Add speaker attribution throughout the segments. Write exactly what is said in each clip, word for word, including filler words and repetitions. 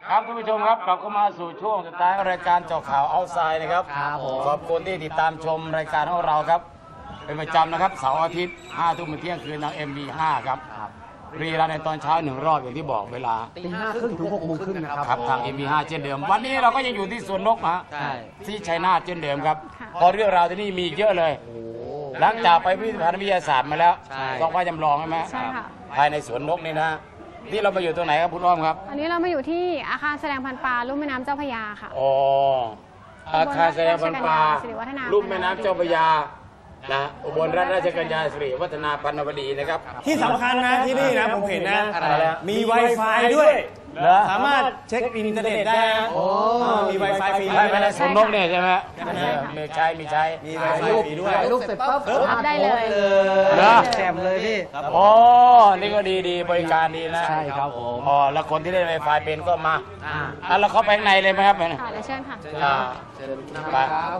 Speaker 1: ครับท่านผู้ชมครับกลับเข้ามาสู่ช่วงสุดท้ายรายการเจาะข่าวเอาไซด์นะครับขอบคุณที่ติดตามชมรายการของเราครับเป็นประจำนะครับเสาร์อาทิตย์ห้าทุ่มถึงเที่ยงคืนทาง เอ็ม บี ห้า ครับรีรันในตอนเช้าหนึ่งรอบอย่างที่บอกเวลา
Speaker 2: ตีห้าครึ่งถึงหกโมงครึ่งนะครับ
Speaker 1: ครับทาง เอ็ม บี ห้า เช่นเดิมวันนี้เราก็ยังอยู่ที่สวนนกนะที่ชัยนาทเช่นเดิมครับพอเรื่องราวที่นี่มีเยอะเลยหลังจากไปพิพิธภัณฑ์วิทยาศาสตร์มาแล้วต้องว่าจำลองใช่ไหม
Speaker 3: ใช่ค่ะ
Speaker 1: ภายในสวนนกนี่นะที่เรามาอยู่ตรงไหนครับคุณอ้อมครับ
Speaker 3: อันนี้เรามาอยู่ที่อาคารแสดงพันธุ์ปลาลุ่มแม่น้ำเจ้าพระยาค่ะ
Speaker 1: อ๋ออาคารแสดงพันธุ์ปลาลุ่มแม่น้ำเจ้าพระยานะอุบลราชกัญญาสิริวัฒนาพันนวดีนะครับ
Speaker 4: ที่สำคัญนะที่นี่นะผมเห็นนะมี Wi-Fi ด้วยสามารถเช็คอินเทอร์เน็ตได้นะมี Wi-Fi ฟรี
Speaker 1: ไม่ไม่ได้สวนนกเนี่ยใช่ไหมมีใช้มีใช้
Speaker 4: มี Wi-Fi ฟรีด้วย
Speaker 2: ลูกเสร็จปั๊บ
Speaker 3: รับได้เลย
Speaker 2: แจมเลยพี่
Speaker 1: อ๋อนี่ก็ดีดีบริการดีนะ
Speaker 2: ใช่ครับผม
Speaker 1: อ๋อแล้วคนที่เล่น Wi-Fi เป็นก็มาอ่ะเราเข้าไปข้างในเลยไหมครับ
Speaker 3: ค่ะเดี๋ยวเชิญค่ะ
Speaker 1: อ่าไป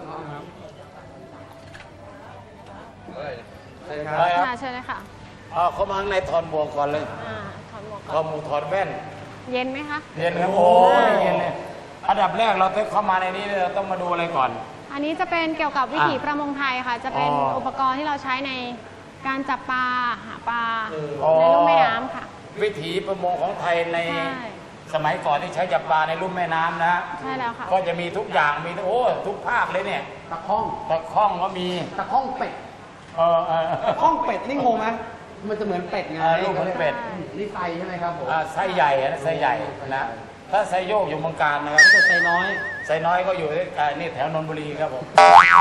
Speaker 1: ไปครับ
Speaker 3: เชิญเลยค่ะ
Speaker 1: อ๋อเข้ามาข้างในถอดหมวกก่อนเลย
Speaker 3: อ่าถอดหมวกก่อน
Speaker 1: ถอดหมวกถอดแว่น
Speaker 3: เย็นไหมคะ
Speaker 1: เย็นครับโอ้ยเย็นเลยอันดับแรกเราต้องเข้ามาในนี้เราต้องมาดูอะไรก่อน
Speaker 3: อันนี้จะเป็นเกี่ยวกับวิถีประมงไทยค่ะจะเป็นอุปกรณ์ที่เราใช้ในการจับปลาหาปลาในลุ่มแม่น้ำค่ะ
Speaker 1: วิถีประมงของไทยในสมัยก่อนที่ใช้จับปลาในลุ่มแม่น้ำนะ
Speaker 3: ใช่แล้วค่ะ
Speaker 1: ก็จะมีทุกอย่างมีโอ้ทุกภาคเลยเนี่ย
Speaker 2: ตะข้อง
Speaker 1: ตะข้องก็มี
Speaker 2: ตะข้องเป็ด
Speaker 1: เออเออ
Speaker 2: ข้องเป็ดนี่งงไหมมันจะเหมือนเป็ดไง
Speaker 1: ลูกเหมือนเป็ด
Speaker 2: นี่ไซใช่ไหมครับผม
Speaker 1: ไซใหญ่นะไซใหญ่นะถ้าไซโยกอยู่เมืองการนะครับ
Speaker 2: ถ้าไซน้อย
Speaker 1: ไซน้อยก็อยู่ที่นี่แถวนนทบุรีครับผม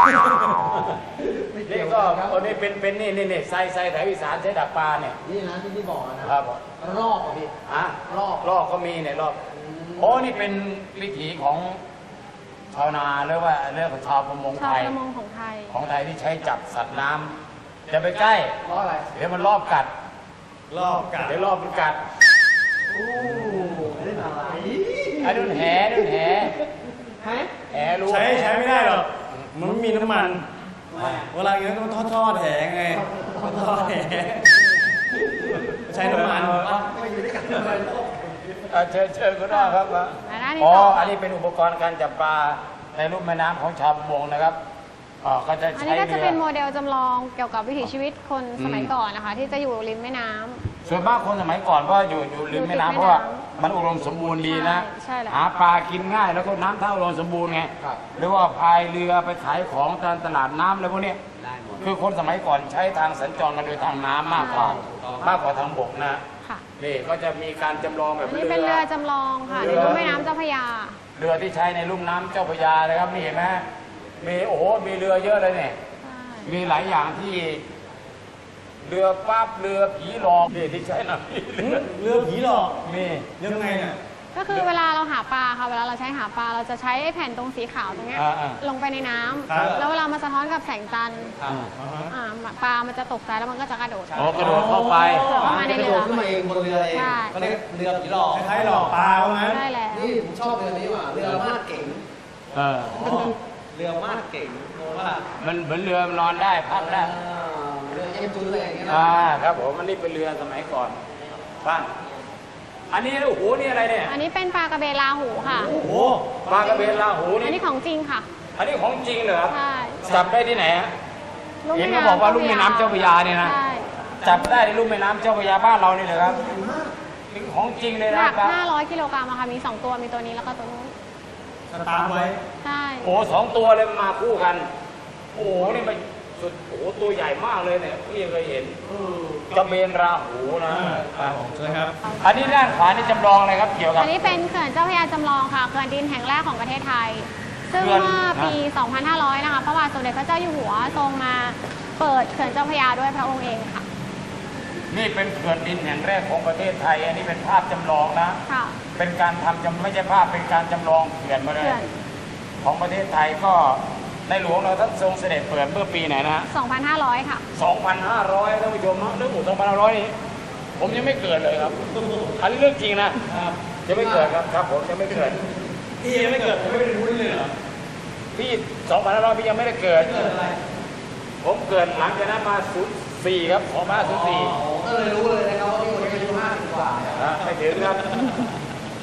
Speaker 1: นี่ก็ตัวนี้เป็นเป็นนี่นี่นี่ไซไซแถวอีสานใช้ดักปลาเนี่ย
Speaker 2: นี่นะที่ที่บอกนะครับรอบอ่ะพี่
Speaker 1: อ่ะ
Speaker 2: รอบ
Speaker 1: รอบก็มีเนี่ยรอบโอ้นี่เป็นวิถีของชาวนาหรือว่าเรื่องของชาวประมงไทย
Speaker 3: ชาวประมงของไทย
Speaker 1: ของไทยที่ใช้จับสัตว์น้ำจะไปใกล้
Speaker 2: รอบอะไร
Speaker 1: เดี๋ยวมันรอบกัด
Speaker 4: รอบกัด
Speaker 1: เดี๋ยวรอบมันกัด
Speaker 2: โอ้เล่นอะไร
Speaker 1: ไอ้ดุนแหดุนแห
Speaker 2: แห
Speaker 1: แหรู้
Speaker 4: ใช้ใช้ไม่ได้หรอกมันไม่มีน้ำมันเวลาอย่างนั้นก็ทอดทอดแหไงทอดแหใช้น้ำมัน
Speaker 2: ไม่อยู่ด้วยกันเลย
Speaker 1: เชิญเชิญคุณน้องครับอ๋ออันนี้เป็นอุปกรณ์การจับปลาในลุ่มแม่น้ำของชาวประมงนะครับอ๋อก็จะ
Speaker 3: อันนี้ก็จะเป็นโมเดลจำลองเกี่ยวกับวิถีชีวิตคนสมัยก่อนนะคะที่จะอยู่ริมแม่น้ำ
Speaker 1: ส่วนมากคนสมัยก่อนก็อยู่อยู่ริมแม่น้ำเพราะว่ามันอุดมสมบูรณ์ดีนะหาปลากินง่ายแล้วก็น้ำท่าอุดมสมบูรณ์ไงหรือว่าพายเรือไปขายของตามตลาดน้ำอะไรพวกนี้คือคนสมัยก่อนใช้ทางสัญจรกันโดยทางน้ำมากกว่ามากกว่าทางบกนะนี่ก็จะมีการจำลองแบบ
Speaker 3: นี้เป็นเรือจำลองค่ะในลุ่มแม่น้ำเจ้าพระยา
Speaker 1: เรือที่ใช้ในลุ่มน้ำเจ้าพระยาเลยครับนี่เห็นไหมมีโอ้โหมีเรือเยอะเลยเนี่ยมีหลายอย่างที่เรือปั๊บเรือผีหลอกนี่ที่ใช้นะ
Speaker 4: เรือผีหลอก
Speaker 1: มี
Speaker 4: ยังไงเนี่ย
Speaker 3: ก็คือเวลาเราหาปลาค่ะเวลาเราใช้หาปลาเราจะใช้แผ่นตรงสีขาวตรงนี้ลงไปในน้ำแล้วเวลามาสะท้อนกับแสงจันทร์ปลามันจะตกใจแล้วมันก็จะกระโดด
Speaker 1: อ๋อกระโดดเข้าไป
Speaker 3: เข้ามาในเรือ
Speaker 2: ขึ้นมาเองบนเรือเองก็เรียกเรือผีหลอก
Speaker 4: คล้ายๆหลอกปลาไหม
Speaker 3: ใช่แล้ว
Speaker 2: นี่ผมชอบเรือนี้ว่ะเรือมาดเก๋ง
Speaker 1: เออ
Speaker 2: เรือมาดเก๋งว่า
Speaker 1: มันเหมือนเรือนอนได้พักได้
Speaker 2: เรือเอ็มจูเลยอย่างเงี้ย
Speaker 1: อ่าครับผมมันนี่เป็นเรือสมัยก่อนบ้านอันนี้โอ้โหนี่อะไรเนี่ย
Speaker 3: อันนี้เป็นปลากระเบนลาหูค่ะ
Speaker 1: โอ้โหปลากระเบนลาหูนี่
Speaker 3: อันนี้ของจริงค่ะ
Speaker 1: อันนี้ของจริงเหรอ
Speaker 3: ใช่
Speaker 1: จับได้ที่ไหนฮะเห็นเขาบอกว่าลุ่มแม่น้ำเจ้าพระยาเนี่ยนะจับได้ในลุ่มแม่น้ำเจ้าพระยาบ้านเรานี่เลยครับเป็นของจริงเลยนะ
Speaker 3: หนักห้าร้อยกิโลกรัมอะค่ะมีสองตัวมีตัวนี้แล้วก็ตัวนู้น
Speaker 4: สตาร์ทไว้
Speaker 3: ใช่
Speaker 1: โอ้สองตัวเลยมาคู่กันโอ้โหนี่มันสุดโอ้โหตัวใหญ่มากเลยเนี่ยพี่เคยเห็นกระเบนราหูนะ
Speaker 4: ใช่ครับ
Speaker 1: อันนี้ด้านขวานี่จำลองอะไรครับเกี่ยวกับ
Speaker 3: อันนี้เป็นเขื่อนเจ้าพระยาจำลองค่ะเขื่อนดินแห่งแรกของประเทศไทยซึ่งเมื่อปี สองพันห้าร้อย นะคะพระบาทสมเด็จพระเจ้าอยู่หัวทรงมาเปิดเขื่อนเจ้าพระยาด้วยพระองค์เองค่ะ
Speaker 1: นี่เป็นเขื่อนดินแห่งแรกของประเทศไทยอันนี้เป็นภาพจำลองนะ
Speaker 3: ค่ะ
Speaker 1: เป็นการทำจำไม่ใช่ภาพเป็นการจำลองเขื่อนมาเลยของประเทศไทยก็ในหลวงเราท่านทรงเสด็จเปิดเมื่อปีไหนนะ
Speaker 3: สองพันห้าร้อย ค่ะ
Speaker 1: สองพันห้าร้อย ท่านผู้ชมนะเรื่องหมู่สองพันห้าร้อยนี่ผมยังไม่เกิดเลยครับอันนี้เรื่องจริงนะยังไม่เกิดครับครับผมยังไม่เกิด
Speaker 4: พี่ยังไม่เกิดผมไม่ได้รู้เลยเหรอ
Speaker 1: พี่สองพันห้าร้อยพี่ยังไม่ได้เกิดผมเกิดหลังจากนั้นมาศูนย์สี่ครับของมาศูนย์สี่
Speaker 2: ก็เลยรู้เลยนะครับว่าพี่คนนี้อายุห้าสิบกว่า
Speaker 1: ไม่ถึงครับ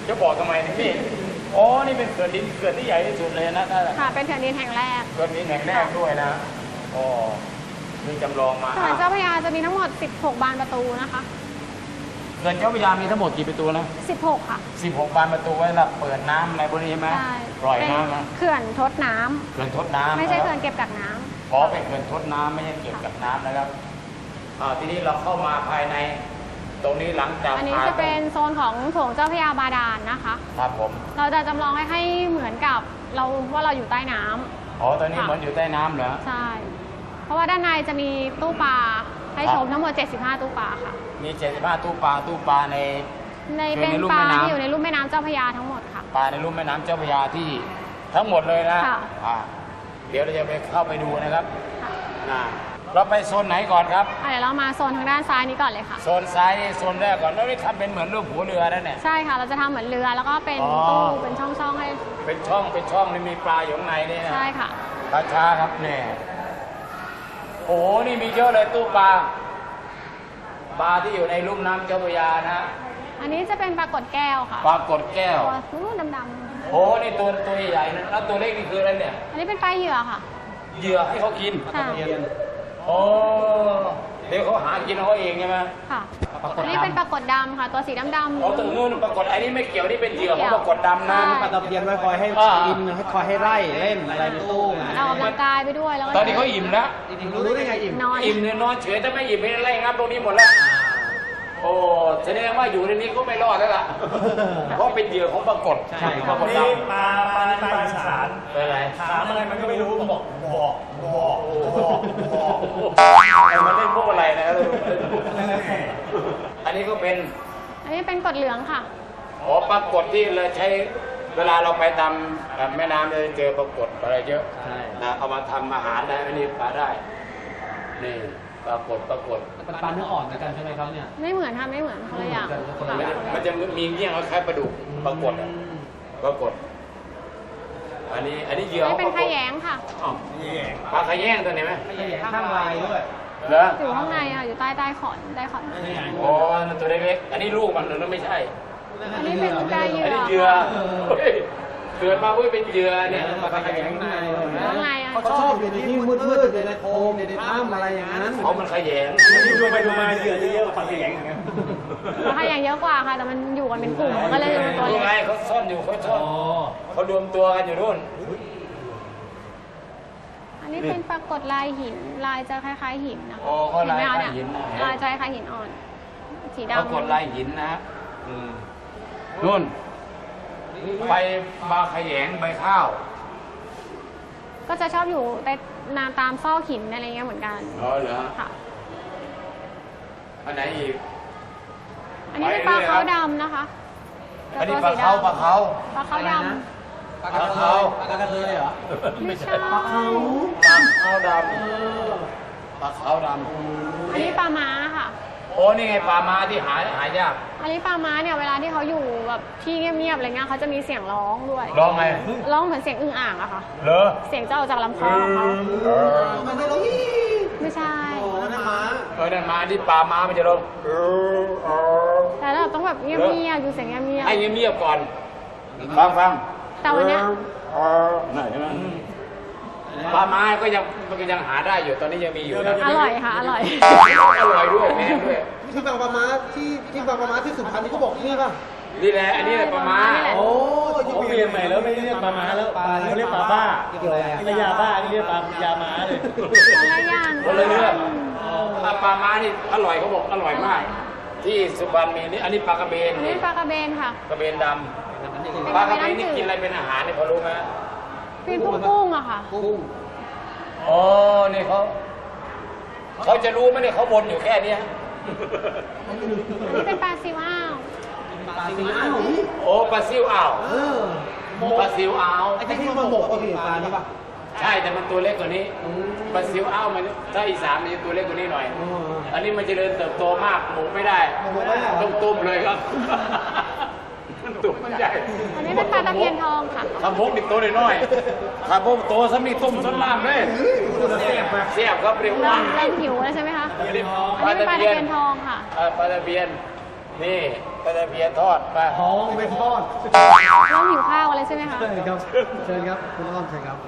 Speaker 1: จะบอกทำไมนี่อ๋อนี่เป็นเขื่อนดินเขื่อนที่ใหญ่ที่สุดเลยนะถ้า
Speaker 3: ค่ะเป็นเขื่อนดินแห่งแรก
Speaker 1: เขื่อนดินแห่งแรกด้วยนะอ๋อมีจำลองมา
Speaker 3: เขื่อนเจ้าพระยาจะมีทั้งหมดสิบหกบานประตูนะคะ
Speaker 1: เขื่อนเจ้าพระยามีทั้งหมดกี่ประตูนะ
Speaker 3: สิบหกค่ะ
Speaker 1: สิบหกบานประตูไว้สำหรับเปิดน้ำอะไรพวกนี้ใช่ไหม
Speaker 3: ใช่
Speaker 1: ปล่อย
Speaker 3: เป็น
Speaker 1: น้ำนะ
Speaker 3: เขื่อนทดน้ำ
Speaker 1: เขื่อนทดน้ำ
Speaker 3: ไม่ใช่
Speaker 1: ะ
Speaker 3: เขื่
Speaker 1: รั
Speaker 3: อบ นเก็บกักน้ำ
Speaker 1: ขอเป็นเขื่อนทดน้ำไม่ใช่เก็บกับน้ำนะครับอ่าทีนี้เราเข้ามาภายในตรงนี้หลังจาก
Speaker 3: อันนี้
Speaker 1: ผ่า
Speaker 3: จะเป็นโซนของโถงเจ้าพระยาบาดาลนะคะ
Speaker 1: ครับผม
Speaker 3: เราจะจำลองให้ให้เหมือนกับเราว่าเราอยู่ใต้น้ำ
Speaker 1: อ๋อตอนนี้เหมือนอยู่ใต้น้ำเหรอ
Speaker 3: ใช่ เพราะว่าด้านในจะมีตู้ปลาให้ชมทั้งหมดเจ็ดสิบห้าตู้ปลาค่ะ
Speaker 1: มีเจ็ดสิบห้าตู้ปลาตู้ปลาใน
Speaker 3: ใน
Speaker 1: อยู่
Speaker 3: เป็น
Speaker 1: ในลุ่ม
Speaker 3: ปลา
Speaker 1: แม่น้ำ
Speaker 3: ที่อยู่ในลุ่มแม่น้ำเจ้าพระยาทั้งหมดค่ะ
Speaker 1: ปลาในลุ่มแม่น้ำเจ้าพระยาที่ทั้งหมดเลยนะ
Speaker 3: ค่ะ
Speaker 1: อ่าเดี๋ยวเราจะไปเข้าไปดูนะครับ
Speaker 3: ค่ะ
Speaker 1: นะเราไปโซนไหนก่อนครับ
Speaker 3: อ่ะเดี๋ยวเรามาโซนทางด้านซ้ายนี้ก่อนเลยค่ะ
Speaker 1: โซนซ้ายนี่โซนแรกก่อนแล้วนี่ทำเป็นเหมือนรูปหัวเรือนั่นเนี่ย
Speaker 3: ใช่ค่ะ เราจะทำเหมือนเรือแล้วก็เป็น
Speaker 1: อ๋อ
Speaker 3: ตู้เป็นช่องๆให้
Speaker 1: เป็นช่องเป็นช่องนี่มีปลาอยู่ข้างในนี่นะ
Speaker 3: ใช่ค่ะ
Speaker 1: ปลาช้าครับเนี่ยโอ้โหนี่มีเยอะเลยตู้ปลาปลาที่อยู่ในลุ่มน้ำเจ้าพระยานะ
Speaker 3: อันนี้จะเป็นปลากดแก้วค่ะ
Speaker 1: ปลากดแก้ว
Speaker 3: ตัวนู้นดำ
Speaker 1: โอ้โหนี่ตัวตัวใหญ่ๆนะแล้วตัวเล็กนี่คืออะไรเนี่ย
Speaker 3: ๆอันนี้เป็นปลาเหยื่อค่ะ
Speaker 1: เหยื่อให้เขากิน
Speaker 3: ค่ะ
Speaker 1: โอ้เดี๋ยวเขาหากินเขาเองใช่ไหม
Speaker 3: ค่ะ อันนี้เป็นปลากดดำค่ะ ตัวสีดำๆ
Speaker 1: อ๋อตัวนู้นปรากฏอันนี้ไม่เกี่ยวนี่เป็นเหยื่อของปรากฏดำนะ
Speaker 3: ใช่
Speaker 2: ปลาตะเพียนไว้คอยให้
Speaker 1: อ่า
Speaker 2: กินให้คอยให้ไล่เล่นอะไรในตู้ไง
Speaker 3: ออกกำลังกายไปด้วยแล้วก็
Speaker 1: ตอนนี้เขาอิ่มแล้ว
Speaker 2: จริงๆรู้ได้ไงอิ่ม
Speaker 3: นอน
Speaker 1: อิ่มเนี่ยนอนเฉยถ้าไม่อิ่มไม่ไล่งับตรงนี้หมดแล้ว โอ้แสดงว่าอยู่ในนี้ก็ไม่รอดแล้วล่ะ เพราะเป็นเหยื่อของปรากฏ
Speaker 2: ใช่ครับ
Speaker 1: ปรากฏด
Speaker 4: นี่ปลาปลาในปลาอีสาน
Speaker 1: ำเป็นอะไร
Speaker 4: ถามอะไรมันก็ไม่รู้บอกบอกบอกบอก
Speaker 1: ไอ้มันเล่นพวกอะไรนะอันนี้ก็เป็น
Speaker 3: อันนี้เป็นกดเหลืองค่ะ
Speaker 1: อ๋อปรากฏที่เราใช้เวลาเราไปตามแม่น้ำเราจะเจอปรากฏอะไรเยอะ
Speaker 2: ใช่
Speaker 1: นะเอามาทำอาหารได้อันนี้ปลาได้ นี่ปรากฏปรากฏ
Speaker 2: เป็นปลาเนื้ออ่อนเหมือนกันใช่ไหมครับเนี่ย
Speaker 3: ไม่เหมือนค่ะไม่เหมือนคนละอย่าง
Speaker 2: คนละ
Speaker 1: มัน
Speaker 2: อย่า
Speaker 3: ค่ะ
Speaker 2: ง
Speaker 1: มันจะมีเงี้ยงคล้ายๆปลาดุกปรากฏอะปรากฏ อันนี้อันนี้เหยื่อ
Speaker 3: นี่เป็น
Speaker 1: ป
Speaker 3: ข
Speaker 1: รากฏ
Speaker 3: ยงค่ะ
Speaker 1: อ้าวปลาขยงตัวนี้ไหม
Speaker 2: ไม่ใช่ข้างลายด้วย
Speaker 1: เหรอ
Speaker 3: อยู่ข้างในค่ะ อยู่ใต้ใต้ขอนใต้ขอน
Speaker 1: โอ้นั่นตัวเล็กๆอันนี้ลูกมันหรือไม่ใช่
Speaker 3: อันนี้เป็นปลาเหยื่
Speaker 1: อัน
Speaker 3: อ
Speaker 1: นี้เหยื่อเฮ้ยเกิดมาเพื่อเป็นเหยื่อเนี่ย
Speaker 2: ปลาขยงข้างใน
Speaker 3: ข้างในอ่ะ
Speaker 2: เขาชอบอยู่ในที่มืดๆอยู่ในโคมอยู่ในถ้ำอะไรอย่างนั้น
Speaker 1: เขามันขยง
Speaker 4: ดูไปดูมาเหยื่อจะเยอะกว่าปลาแข็งอย่างเงี้ย
Speaker 3: ปลาขยงเยอะกว่าค่ะ แต่มันอยู่กันเป็นกลุ่มก็เลยเป็นตัว
Speaker 1: ดู
Speaker 3: เล็
Speaker 1: ไง
Speaker 3: ก
Speaker 1: เขาซ่อนอยู่เขาซ่อนเขารวมตัวกันอยู่นู่น
Speaker 3: อันนี้เป็นปรากฏลายหิน ลายจะคล้ายๆหินนะคะ
Speaker 1: โอ้เขาลาย
Speaker 3: เห็นไหม
Speaker 1: ค
Speaker 3: คะ
Speaker 1: ล้ายหินนะ
Speaker 3: ลายจะคล้ายๆหินอ่อน สี
Speaker 1: ปราก
Speaker 3: ดำ
Speaker 1: ฏลายหินนะฮะนู่นใบปลาขยงใบข้าว
Speaker 3: ก็จะชอบอยู่ในนาตามซอกหินอะไรเงี้ยเหมือนกัน
Speaker 1: อ๋อเหรอ
Speaker 3: ค่ะ
Speaker 1: อันไหนอีก
Speaker 3: อันนี้เป็นปลาเขาดำนะคะ
Speaker 1: อันนี้
Speaker 3: ตัว
Speaker 1: ปลาเขาปลาเขา
Speaker 3: ปลาเขาด
Speaker 2: ปลากระเทยปลากระเทยเหรอ
Speaker 3: ำไม่ใช่
Speaker 1: ปลาเขาดำปลาเขาด
Speaker 3: อันนี้ปลาม้าค่ะ
Speaker 1: ำโอ้นี่ไงปลาม้าที่หาหายาก
Speaker 3: อันนี้ปลาม้าเนี่ยเวลาที่เขาอยู่แบบที่เงียบๆอะไรเงี้ยเขาจะมีเสียงร้องด้วย
Speaker 1: ร้องไง
Speaker 3: ร้องเหมือนเสียงอึ่งอ่างอะค่ะ
Speaker 1: เหรอ
Speaker 3: เสียงจะออกจากลำคอของเขา
Speaker 1: เออ
Speaker 2: มันไม่รู้
Speaker 3: ไม่ใช่
Speaker 2: โอ้นั่นม้า
Speaker 1: เออนั่นมาที่ปลาม้ามันจะร้องเออเออ
Speaker 3: แต่เราต้องแบบเงียบๆอยู่เสียงเงียบ
Speaker 1: ให้เงียบๆก่อน ฟังฟัง
Speaker 3: ๆแต่วันเนี้ย
Speaker 1: เออไหนใช่ไหมปลาม้าก็ยังมันก็ยังหาได้อยู่ตอนนี้ยังมีอยู่นะ
Speaker 3: อร่อยค่ะ อร่อย
Speaker 1: อร่อยด้วยแม่ด้วย
Speaker 2: ที่บางปลาม้าที่ที่บางปลาม้าที่สุพรรณนี่เขาบอกนี่ป่ะ
Speaker 1: นี่แหละอันนี้แหละปลาม้า
Speaker 2: โอ้
Speaker 4: เขาเปลี่ยนใหม่แล้วไม่เรียกปลาม้าแล้วเขาเรียกปลาบ้า
Speaker 2: เกี่ยวอะไรอ่ะ
Speaker 4: ไม่ยาบ้านี่เรียกปลายาม้าเลย
Speaker 3: คนละอย่าง
Speaker 1: คนละเรื่องถ้าปลาม้านี่อร่อยเขาบอกอร่อยมาก ที่สุพรรณมีนี่อันนี้ปลากระเบน
Speaker 3: อันนี้ปลากระเบนค่ะ
Speaker 1: กระเบนดำปลากระเบนนี่กินอะไรเป็นอาหารเนี่ยพอรู้ไหม
Speaker 3: เป็นพวกกุ้งอะค่ะ
Speaker 2: กุ้ง
Speaker 1: อ๋อนี่เขาเขาจะรู้ไหมเนี่ยเขาบนอยู่แค่เนี้ย
Speaker 3: อันนี้เป็นปลาซิวอ้าว
Speaker 2: ปลาซิวอ้าว
Speaker 1: โอ้ปลาซิวอ่าว
Speaker 2: เออ
Speaker 1: ปลาซิวอ่าว
Speaker 2: ไอ้ที่มันหมกก็คือปลานี่ป่ะ
Speaker 1: ใช่แต่มันตัวเล็กกว่านี้ปลาซิวอ่าวมันถ้าอีสานมันจะตัวเล็กกว่านี้หน่อย อันนี้มันเจริญเติบโตมากหมูไม่ได้ต้องต้มเลยครับตัวมันใหญ่
Speaker 3: อันนี้เป็นปลาตะเพียนทองค่ะ
Speaker 1: ทำพกดิบโตน้อยๆทำพกโตสำนีต้มส้นล่ามเลยเสียบเสียบครับเรียกว่า
Speaker 3: เริ่มหิวแล้วใช่ไหมคะ
Speaker 1: อันนี้
Speaker 3: อันนี้เป็นปลาตะเพียนทองค่ะ
Speaker 1: เอ่อปลาตะเพียนนี่ปลาตะเพียนทอดไป
Speaker 2: ท้องไม่ทอด
Speaker 3: เริ่มหิวข้าวอะไรใช่ไหมคะ
Speaker 2: เชิญครับเชิญครับคุณอ้อมเชิญครับ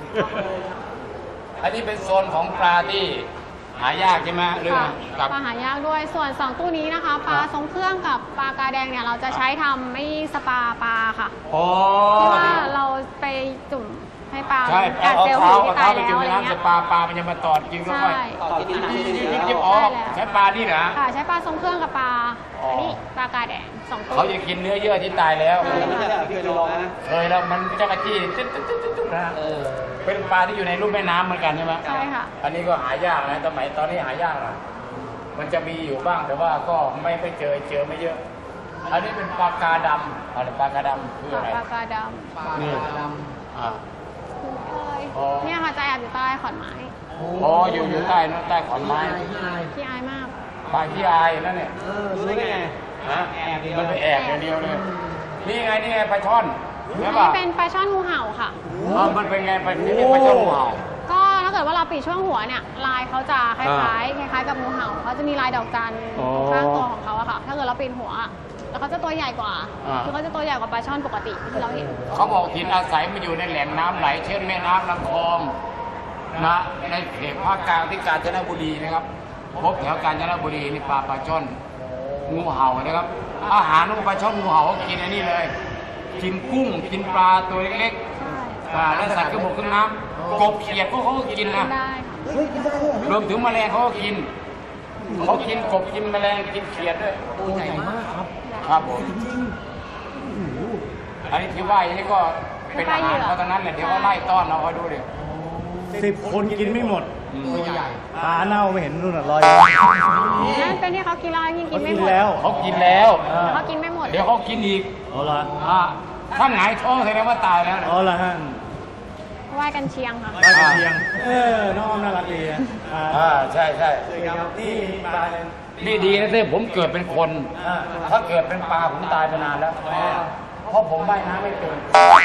Speaker 1: อันนี้เป็นโซนของปลาที่หายากใช่ไหมหรือ
Speaker 3: ค่ะ
Speaker 1: กับ
Speaker 3: ปลาหายากด้วยส่วนสองตู้นี้นะคะ ปลาทรงเครื่องกับปลากาแดงเนี่ยเราจะใช้ทำไม่สปาปลาค่ะ
Speaker 1: โอ้
Speaker 3: ที่ว่าเราไปจุ่มให้ปลา
Speaker 1: ใช่
Speaker 3: กัด
Speaker 1: เอา
Speaker 3: เซลล์
Speaker 1: เท้า
Speaker 3: ผี
Speaker 1: เอา
Speaker 3: ที่
Speaker 1: เท้า
Speaker 3: ตาย
Speaker 1: ไป
Speaker 3: แล้ว
Speaker 1: จุ่ม
Speaker 3: อะไร
Speaker 1: ในน้ำ
Speaker 3: เงี้
Speaker 1: จะ
Speaker 3: ย
Speaker 1: ปลาปลามันจะมาตอดกินก็
Speaker 3: ใช่
Speaker 1: ค่อยยิบยิบอ๋อใช้ปลานี่เหรอ
Speaker 3: ค่ะใช้ปลาทรงเครื่องกับปลา
Speaker 1: อ๋ออั
Speaker 3: อันนี้ปลากาแดงสองตัว
Speaker 1: เขาจะกินเนื้อเยื่อที่ตายแล้ว
Speaker 3: ใช่
Speaker 2: ไม่ใช่เคยลองนะ
Speaker 1: เคยแล้วมันจะกระจี้ตึ๊ดตึ๊ดตึ๊ดตึ๊ดนะ
Speaker 2: เออ
Speaker 1: เป็นปลาที่อยู่ในรูปแม่น้ำเหมือนกันใช่ไหม
Speaker 3: ใช่ค่ะ
Speaker 1: อันนี้ก็หายากนะสมัยตอนนี้หายากนะมันจะมีอยู่บ้างแต่ว่าก็ไม่ไปเจอเจอไม่เยอะ อันนี้เป็นปลากาดำอะไรปลากาดำคืออะไร
Speaker 3: ปลากาด
Speaker 1: นี่อ่า
Speaker 3: ำคุ้นเคย
Speaker 1: อ๋อ
Speaker 3: เนี่ยค่ะจะแอบอยู่ใต้ขอนไม้
Speaker 1: อ๋ออยู่อยู่ใต้นู้นใต้ขอนไม้
Speaker 3: ที่อายมาก
Speaker 1: ปลาที่อายนั่นเนี่ย
Speaker 2: เออรู้ได้ไง
Speaker 1: ฮะ
Speaker 2: แอบเดียว
Speaker 1: มันไปแอบอย่างเดียวเลย นี่ไงนี่ไงปลาช่อน
Speaker 3: อัน
Speaker 1: ใช่
Speaker 3: นี้
Speaker 1: ป่ะ
Speaker 3: เป็นปลาช่อนงูเห่าค่ะ
Speaker 1: อ๋อมันเป็นไงปลาที่เรียกปลาช่อนงูเห่า
Speaker 3: ก็ถ้าเกิดว่าเราปิดช่วงหัวเนี่ยลายเขาจะคล้ายๆคล้ายๆกับงูเห่าเขาจะมีลายดอกจัน
Speaker 1: อ๋อ
Speaker 3: ข้างตัวของเขาอะค่ะ ถ้าเกิดเราปิดหัวอะแล้วเขาจะตัวใหญ่กว่า
Speaker 1: อ่า
Speaker 3: คือเขาจะตัวใหญ่กว่าปลาช่อนปกติที่เราเห็น
Speaker 1: เขาบอกถิ่นอาศัยมันอยู่ในแหล่งน้ำไหล เช่นแม่น้ำลำคลองนะในเขตภาคกลางที่กาญจนบุรีนะครับพบแถวกาญจนบุรีนี่ปลาปลาช่อนงูเห่านะครับ อาหารของปลาช่อนงูเห่าเขากินอันนี้เลย กินกุ้งกินปลาตัวเล็ก
Speaker 3: ใช่
Speaker 1: ๆอ่าและสัตว์กระบอกขึ้นน้ำกบเขียดพวกเขาก็กินนะ
Speaker 3: ได้ค่ะ
Speaker 2: เฮ้ยกินได้ด้วยเหรอ
Speaker 1: รวมถึงแมลงเขาก็กินเขากินกบกินแมลงกินเขียดด้วย
Speaker 2: ตัวใหญ่มากครับ
Speaker 1: ครับผม
Speaker 2: จริง
Speaker 1: อันนี้ที่ว่าอย่างนี้ก็เป็นอาหารเขาตอนนั้นแหละเดี๋ยวเขาไล่ต้อนเราคอยดูดิ
Speaker 4: สิบคนกินไม่หมด
Speaker 1: อืม
Speaker 2: ตัวใหญ่
Speaker 4: ปลาเน่าไม่เห็นนู่นน่ะลอย
Speaker 3: นั่นเป็นที่เขากินแล้วยังกิ
Speaker 4: เขา
Speaker 3: นไม่
Speaker 4: กิน
Speaker 3: หมด
Speaker 4: แล้ว
Speaker 1: เขากินแล้ว
Speaker 4: อ่า
Speaker 3: แต่เขากินไม่หมด
Speaker 1: เดี๋ยวเขากินอีก
Speaker 4: เอาละ
Speaker 1: อ่าถ้าหงายท้องแสดงว่าตายแล้วนะ
Speaker 4: เอาละฮะ
Speaker 3: ไหว้กันเชียงค่ะ
Speaker 4: ปลากระเทียงเออน้องอ้อมน่ารักดีอ่ะอ่า
Speaker 1: อ่าใช่ใช่
Speaker 4: ครับนี่ปลา
Speaker 1: นี่ดีนะที่ผมเกิดเป็นคน
Speaker 4: อ่า
Speaker 1: ถ้าเกิดเป็นปลาผมตายไปนานแล้ว เพราะผมว่ายน้ำไม่เป็น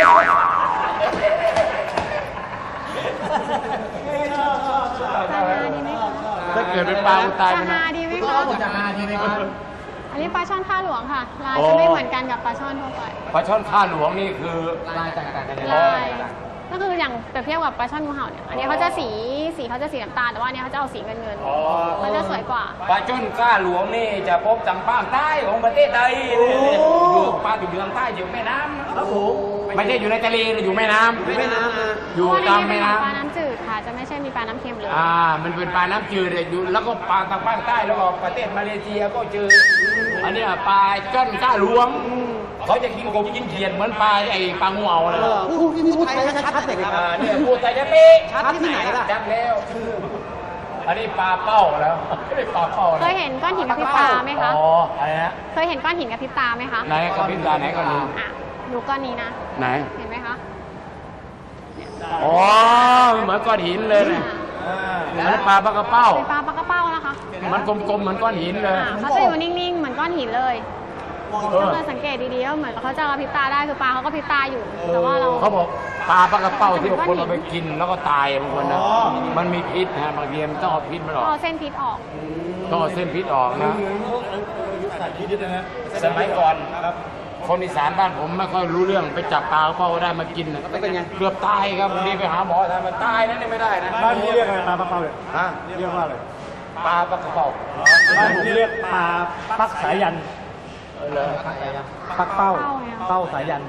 Speaker 3: จะหาดีไหมคะ
Speaker 1: ถ้าเกิดเป็นปลาผมตาย
Speaker 3: จะ
Speaker 1: ไปนาน
Speaker 3: หาดีไหม
Speaker 2: คุณ
Speaker 3: คะ
Speaker 2: อ้อมผมจะหาดีไหมครับ
Speaker 3: อันนี้ปลาช่อนข้าหลวงค่ะ ลาย
Speaker 1: โอ้
Speaker 3: จะไม่เหมือนกันกับปลาช่อนทั่วไป
Speaker 1: ปลาช่อนข้าหลวงนี่คือ
Speaker 2: ลายแตกต่างกัน
Speaker 3: ลายก็คืออย่างเปรียบเทียบกับปลาช่อนงูเห่าเนี่ย อันนี้เขาจะสีสีเขาจะสีน้ำตาลแต่ว่าอันนี้เขาจะเอาสีเงินเงิน
Speaker 1: อ๋อ
Speaker 3: มันจะสวยกว่า
Speaker 1: ปลาช่อนข้าหลวงนี่จะพบทางภาคใต้ของประเทศไทยอยู่ปลาอยู่ทางใต้อยู่แม่น้ำ
Speaker 2: ครับผม
Speaker 1: ไม่ใช่อยู่ในทะเลหรืออยู่แม่น้ำ
Speaker 2: ไม่น้ำนะ
Speaker 1: อยู่
Speaker 3: เพราะ
Speaker 1: ตาม
Speaker 3: ว่าใน
Speaker 1: แม่
Speaker 3: นี้
Speaker 1: น้
Speaker 3: เป็นปลาน้ำจืดค่ะ จะไม่ใช่มีปลาน้ำเค็มเลย
Speaker 1: ำอ่า มันเป็นปลาน้ำจืดเลยอยู่แล้วก็ปลาทางภาคใต้แล้วก็ประเทศมาเลเซียก็เจออันเนี้ยปลาจ้อนข้าหลวง เขาจะกินกบกินเขียดเหมือนปลาไอ้ปลางูเอาเลย
Speaker 2: เออพูดที่พูดไทยชัดๆเลยครับ
Speaker 1: อ่าเนี่ยพูดไทยจะเป๊ะ
Speaker 2: ชัดที่ไหนล่ะ
Speaker 1: ชัดแล้ว อันนี้ปลาเป้าแล้วไม่ได้ปลาเป้า
Speaker 3: เคยเห็นก้อนหินกระพริบตาไหมคะ
Speaker 1: อ๋ออะไรนะ
Speaker 3: เคยเห็นก้อนหินกระพริบตาไหมคะ
Speaker 1: ไหนกระพริบตาไหนก่อนดู
Speaker 3: อ่ะดูก้อนนี้นะ
Speaker 1: ไหน
Speaker 3: เห็นไหมคะ
Speaker 1: อ๋อเหมือนก้อนหินเลยเนี่ย
Speaker 3: อ่า
Speaker 1: เหมือนปลาปลากระเป้า
Speaker 3: เป็นปลาปลากระเป้านะคะ
Speaker 1: มันกลมๆเหมือนก้อนหินเลย
Speaker 3: อ่าเขาจะอยู่นิ่งๆ เหมือนก้อนหินเลย
Speaker 1: เออ
Speaker 3: ถ้าเราสังเกตดีๆก็เหมือนเขาจะกระพริบตาได้คือปลาเขาก็พริบตาอยู่ แต่ว่าเรา
Speaker 1: เขาบอกปลาปลากระเป้าที่คนเอาไปกินแล้วก็ตายบางคนนะ
Speaker 4: อ๋อ
Speaker 1: มันมีพิษนะบางทีมันต้องเอาพิษมันออก
Speaker 3: เอาเส้นพิษออก
Speaker 1: ต้องเอาเส้นพิษออกนะ
Speaker 4: เหมือนพวกอายุสัตว์พิษนะฮะ
Speaker 1: สมัยก่อน
Speaker 4: ครับ
Speaker 1: คนอีสานบ้านผมไม่ค่อยรู้เรื่องไปจับปลากระเป้าได้มากินนะ
Speaker 2: แล้วเป็นไง
Speaker 1: เกือบตายครับดีไปหาหมอทำมันตายนั่นนี่ไม่ได้นะ
Speaker 4: บ้านนี้เรียกอะไรปลาปลาเป้าเลย
Speaker 1: ฮะ
Speaker 4: เรียกว่าอะไร
Speaker 1: ปลาปลากระเป้า
Speaker 4: บ้านผมเรียกปลาปักสายัน
Speaker 1: เออเลย
Speaker 4: ปักเป้า
Speaker 3: เป้าไง
Speaker 4: เป้าสายัน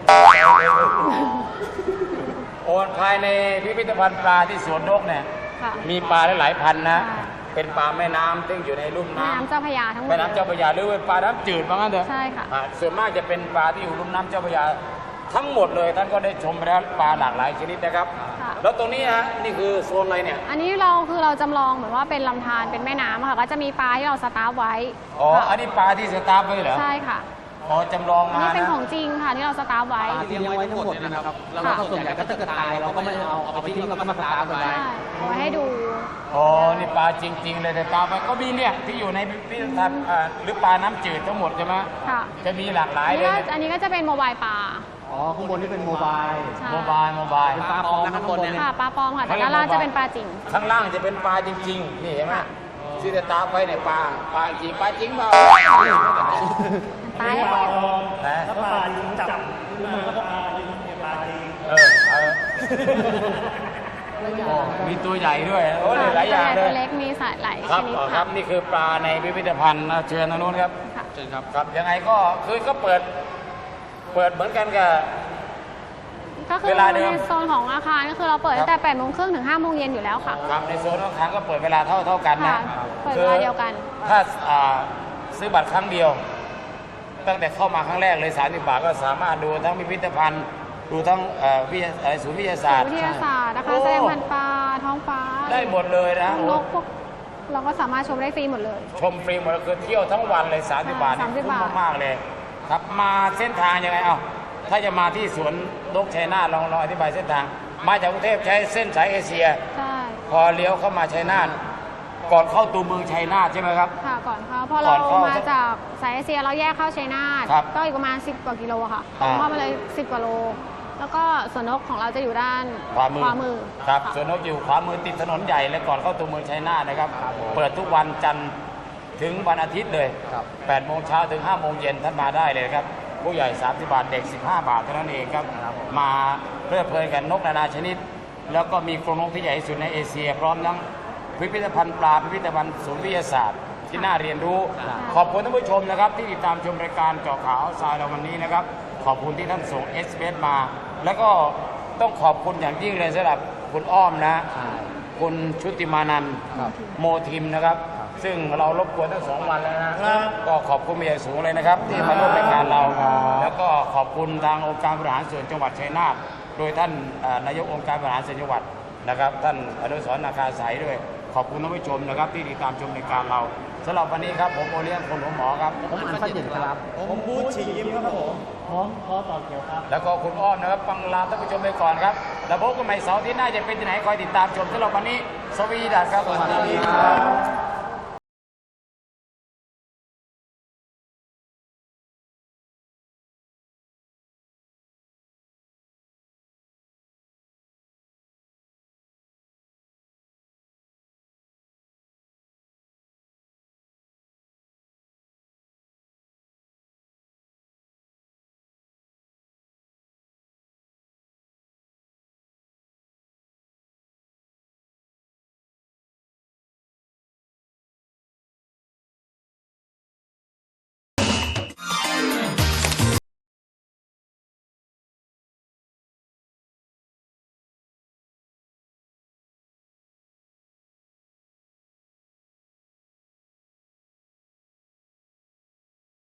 Speaker 1: โอนภายในพิพิธภัณฑ์ปลาที่สวนนกเนี่ย
Speaker 3: ค่ะ
Speaker 1: มีปลาหลายๆพันนะ
Speaker 3: ใช่
Speaker 1: เป็นปลาแม่น้ำซึ่งอยู่ในลุ่ม
Speaker 3: แม่
Speaker 1: น้ำ
Speaker 3: น้ำเจ้าพระยาทั้งหมด
Speaker 1: แม่น้ำเจ้าพระยาหรือเป็นปลาน้ำจืดว่างั้นเถอะ
Speaker 3: ใช่ค่ะ
Speaker 1: อ่าส่วนมากจะเป็นปลาที่อยู่ลุ่มน้ำเจ้าพระยาทั้งหมดเลยท่านก็ได้ชมไปแล้วปลาหลากหลายชนิดนะครับ
Speaker 3: ค่ะ
Speaker 1: แล้วตรงนี้ฮะนี่คือโซนอะไรเนี่ย
Speaker 3: อันนี้เราคือเราจำลองเหมือนว่าเป็นลำธารเป็นแม่น้ำค่ะ ก็จะมีปลาที่เราสตาร์ฟไว้
Speaker 1: อ๋อ
Speaker 3: ค่ะ
Speaker 1: อันนี้ปลาที่สตาร์ฟไว้เหรอ
Speaker 3: ใช่ค่ะ
Speaker 1: อ๋อจำลอง
Speaker 3: อัน
Speaker 1: มา
Speaker 3: นี้เป็น
Speaker 1: นะ
Speaker 3: ของจริงค่ะที่เราสตาร์ฟไว้
Speaker 2: เตรียมไว้ทั้งหมดนะครับ แล้วก็ส่วนใหญ่ก็ถ้าเกิดตายเราก็ไม่เอาเอาไปทิ้งเราก็มาสตาร์ทไว้
Speaker 3: ใช่เอาไว้ให้ดู
Speaker 1: อ๋อนี่ปลาจริง ๆ เลยแต่ปลาก็มีเนี่ยที่อยู่ในพิพิธภัณฑ์อ่าหรือปลาน้ำจืดทั้งหมดใช่ไหม
Speaker 3: ค่ะ
Speaker 1: จะมีหลากหลา
Speaker 3: อั
Speaker 1: ย
Speaker 3: น
Speaker 1: เล
Speaker 3: นี้
Speaker 1: ย
Speaker 3: ก็อันนี้ก็จะเป็นโมบายปลา
Speaker 2: อ๋อ ข้างบนนี่เป็นโมบาย
Speaker 3: ใช่
Speaker 1: โมบายโมบาย
Speaker 2: เป็นปลาปลอมนะข้างบนเนี่ย
Speaker 3: ค่ะปลาปลอมค่ะแต่ด้านล่างจะเป็นปลาจริง
Speaker 1: ข้างล่างจะเป็นปลาจริงๆ นี่เห็นไหมที่จะตามไปเนี่ยปลาปลาจริงปลาจริงเปล่า
Speaker 3: ตาย
Speaker 4: ปลา
Speaker 3: แล้ว
Speaker 4: ปลอมถ้าปลาลิงจับขึ้นมาแล้วก็ปลาลิงเนี่ยปลาจริง
Speaker 1: เออเออโอ้มีตัวใหญ่ด้วยโอ้หลายอย่างเล
Speaker 3: ตัวย เล็กมีสายหลาย
Speaker 1: ค
Speaker 3: ช
Speaker 1: รับ
Speaker 3: นิด
Speaker 1: ค
Speaker 3: ค่ะ
Speaker 1: รับนี่คือปลาในพิพิธภัณฑ์นะเชิญทางนู้นครับ
Speaker 3: ค่ะ
Speaker 2: เชิญครับ
Speaker 1: ครับยังไงก็คือก็เปิด เปิดเหมือนกันกับ
Speaker 3: ก็คือ
Speaker 1: เวลาเดิม
Speaker 3: ในโซนของอาคารก็คือเราเปิด
Speaker 1: ครับ
Speaker 3: ตั้งแต่แปดโมงครึ่งถึงห้าโมงเย็นอยู่แล้วค่ะ
Speaker 1: ครับในโซนอาคารก็เปิดเวลาเท่าเท่ากันนะ
Speaker 3: ค่ะเปิดเวลาเดียวกัน
Speaker 1: ถ้าอ่าซื้อบัตรครั้งเดียว ตั้งแต่เข้ามาครั้งแรกเลยสามสิบบาทก็สามารถดูทั้งพิพิธภัณฑ์ดูทั้งเอ่อวิทยาอะไรศูนย์วิทยาศาสตร์
Speaker 3: วิทยาศาสตร์นะคะ
Speaker 1: โอ้
Speaker 3: แสดงพันธุ์ปลาท้องฟ้า
Speaker 1: ได้หมดเลยนะ
Speaker 3: นกพวกเราก็สามารถชมได้ฟรีหมดเลย
Speaker 1: ชมฟรีหมดเลยคือเที่ยวทั้งวันเลยสามสิบบาทนี่
Speaker 3: สามสิบ
Speaker 1: คุ้ม
Speaker 3: บาท
Speaker 1: มากๆเลย ครับมาเส้นทางยังไงเอ้าถ้าจะมาที่สวนนกชัยนาทลองลองอธิบายเส้นทาง มาจากกรุงเทพใช้เส้นสายเอเชีย
Speaker 3: ใช่
Speaker 1: พอเลี้ยวเข้ามาชัยนาทก่อนเข้าตัวเมืองชัยนาทใช่ไหมครับ
Speaker 3: ค่ะก่อนเข้าพอ
Speaker 1: ก่
Speaker 3: เรา
Speaker 1: อนเข้า
Speaker 3: มาจากสายเอเชียเราแยกเข้าชัยนาท
Speaker 1: ครับ
Speaker 3: ก็อีกประมาณสิบกว่ากิโลค่ะตร
Speaker 1: อ่า
Speaker 3: งเข้ามาเลยสิบกว่าโล แล้วก็สวนนกของเราจะอยู่ด้าน
Speaker 1: ขวามือ
Speaker 3: มือ
Speaker 1: ครับ
Speaker 3: ะ
Speaker 1: สวนนกอยู่ขวามือติดถนนใหญ่และก่อนเข้าตัวเมืองชัยนาทนะครับ เปิดทุกวันจันทร์ถึงวันอาทิตย์เลย
Speaker 2: ครับ
Speaker 1: แปดโมงเช้าถึงห้าโมงเย็นท่านมาได้เลยครับ ผู้ใหญ่สามสิบบาทเด็กสิบห้าบาทเท่านั้นเองครับ มาเพลิดเพลินกันนกนานาชนิด แล้วก็มีกรงนกที่ใหญ่ที่สุดในเอเชีย พร้อมทั้งพิพิธภัณฑ์ปลาพิพิธภัณฑ์ศูนย์วิทยาศาสตร์ที่น่าเรียนรู้ ขอบคุณท่านผู้ชมนะครับที่ติดตามชมรายการเจาะข่าวทรายเราวันนี้นะครับ ขอบคุณที่ท่านส่งเอสเมา แล้วก็ต้องขอบคุณอย่างยิ่งเลยสำหรับคุณอ้อมนะ
Speaker 2: ใช่
Speaker 1: คุณชุติมานันท์
Speaker 2: ครับ
Speaker 1: โมทิมนะครับ ซึ่งเรารบกวนทั้งสองวันแล้วนะก็ขอบคุณเป็นอย่างสูงเลยนะครับ ที่มาร่วมรายการเรา แล้วก็ขอบคุณทางองค์การบริหารส่วนจังหวัดชัยนาทโดยท่านเอ่อนายกองค์การบริหารส่วนจังหวัดนะครับ ท่านอนุสรณ์นาคาสายด้วย ขอบคุณท่านผู้ชมนะครับ ที่ติดตามชมรายการเราสำหรับวันนี้ครับผมโอเลี้ยงคนหัวหมอครับ
Speaker 2: ผมอันฟัดเด่นครับ
Speaker 4: ผมบูธฉีกยิ้มครับผมพร้อมคอต่อเขียวครับ
Speaker 1: แล้วก็คุณอ้อมนะครับฟังลาท่านผู้ชมไปก่อนครับแล้วพบกันใหม่เสาร์ที่หน้าจะเป็นที่ไหนคอยติดตามชมสำหรับวันนี้สวีดัสครับสวัสดีครับ